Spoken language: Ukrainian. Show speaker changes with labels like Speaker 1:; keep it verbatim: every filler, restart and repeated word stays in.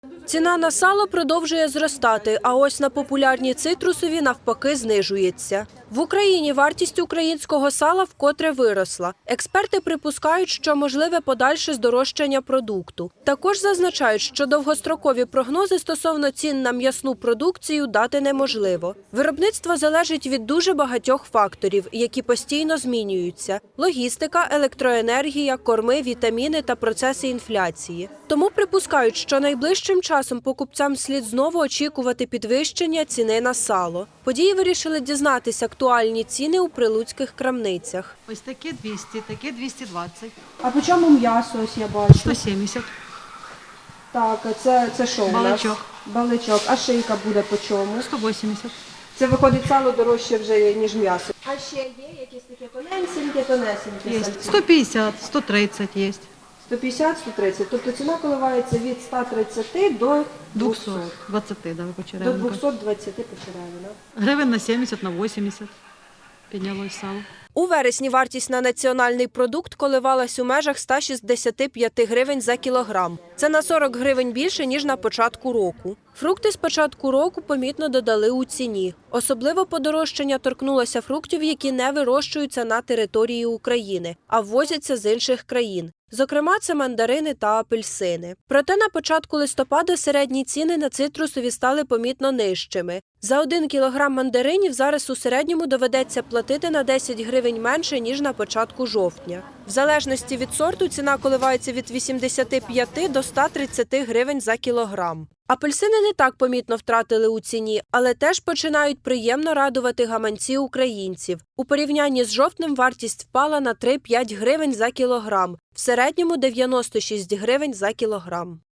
Speaker 1: Ціна на сало продовжує зростати, а ось на популярні цитрусові навпаки знижується. В Україні вартість українського сала вкотре виросла. Експерти припускають, що можливе подальше здорожчання продукту. Також зазначають, що довгострокові прогнози стосовно цін на м'ясну продукцію дати неможливо. Виробництво залежить від дуже багатьох факторів, які постійно змінюються – логістика, електроенергія, корми, вітаміни та процеси інфляції. Тому припускають, що найближчим часом покупцям слід знову очікувати підвищення ціни на сало. Події вирішили дізнатися актуальні ціни у прилуцьких крамницях.
Speaker 2: Ось таке двісті, таке двісті двадцять.
Speaker 1: А по чому м'ясо, ось я бачу?
Speaker 2: сто сімдесят.
Speaker 1: Так, це, це що у нас?
Speaker 2: Баличок.
Speaker 1: Баличок. А шийка буде по чому?
Speaker 2: сто вісімдесят.
Speaker 1: Це виходить сало дорожче вже, ніж м'ясо. А ще є якісь такі тоненькі, тонесенькі?
Speaker 2: Є
Speaker 1: сальці?
Speaker 2: сто п'ятдесят, сто тридцять є.
Speaker 1: сто п'ятдесят - сто тридцять. Тобто ціна коливається від ста тридцяти до
Speaker 2: двісті
Speaker 1: двохсот.
Speaker 2: двадцять, да,
Speaker 1: До
Speaker 2: почеревинка.
Speaker 1: двохсот двадцяти почеревина.
Speaker 2: Гривень на сімдесят, на вісімдесят піднялось сало.
Speaker 1: У вересні вартість на національний продукт коливалась у межах ста шістдесяти п'яти гривень за кілограм. Це на сорок гривень більше, ніж на початку року. Фрукти з початку року помітно додали у ціні. Особливо подорожчання торкнулося фруктів, які не вирощуються на території України, а ввозяться з інших країн. Зокрема, це мандарини та апельсини. Проте на початку листопада середні ціни на цитрусові стали помітно нижчими. За один кілограм мандаринів зараз у середньому доведеться платити на десять гривень менше, ніж на початку жовтня. В залежності від сорту ціна коливається від вісімдесяти п'яти до ста тридцяти гривень за кілограм. Апельсини не так помітно втратили у ціні, але теж починають приємно радувати гаманці українців. У порівнянні з жовтнем вартість впала на три - п'ять гривень за кілограм, в середньому дев'яносто шість гривень за кілограм.